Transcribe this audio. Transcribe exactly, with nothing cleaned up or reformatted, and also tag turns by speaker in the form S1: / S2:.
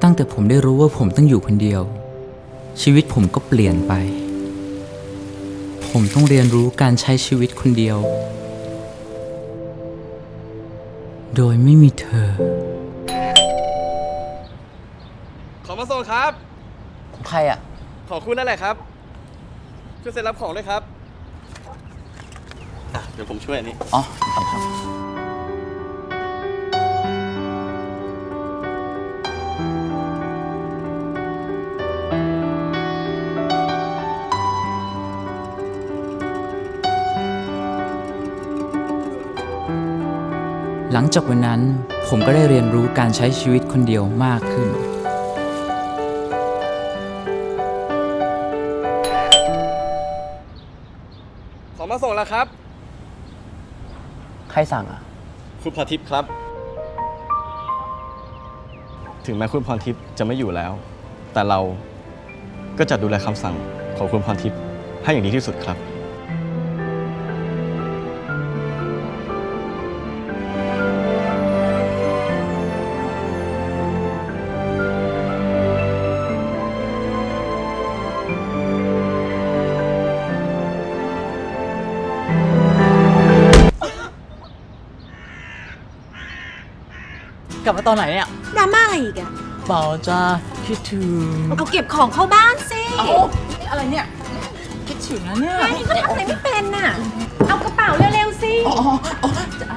S1: ตั้งแต่ผมได้รู้ว่าผมต้องอยู่คนเดียวชีวิตผมก็เปลี่ยนไปผมต้องเรียนรู้การใช้ชีวิตคนเดียว โดยไม่มีเธอ
S2: ขอมาส่งครับ
S3: ของใครอ่ะ
S2: ของคุณนั่นแหละครับช่วยเซ็นรับของด้วยครับอ่ะเดี๋ยวผมช่วยอันนี้
S3: อ๋อครับครับ
S1: หลังจากวันนั้นผมก็ได้เรียนรู้การใช้ชีวิตคนเดียวมากขึ้น
S2: ขอมาส่งแล้วครับ
S3: ใครสั่งอ่ะ
S2: คุณพรทิพย์ครับถึงแม้คุณพรทิพย์จะไม่อยู่แล้วแต่เราก็จะดูแลคำสั่งของคุณพรทิพย์ให้อย่างดีที่สุดครับ
S3: กลับมาตอนไหนเนี่ย
S4: ดราม่าอะไรอีกอะ
S3: เปล่าจ้าคิดถึง
S4: เอาเก็บของเข้าบ้านสิ
S3: เอาอะไรเนี่ยคิดถึงนะเนี่ย
S4: ไอ้ก็ทำอะไรไม่เป็นน่ะเอากระเป๋าเร็วๆสิ
S3: อ๋ออ๋อจะ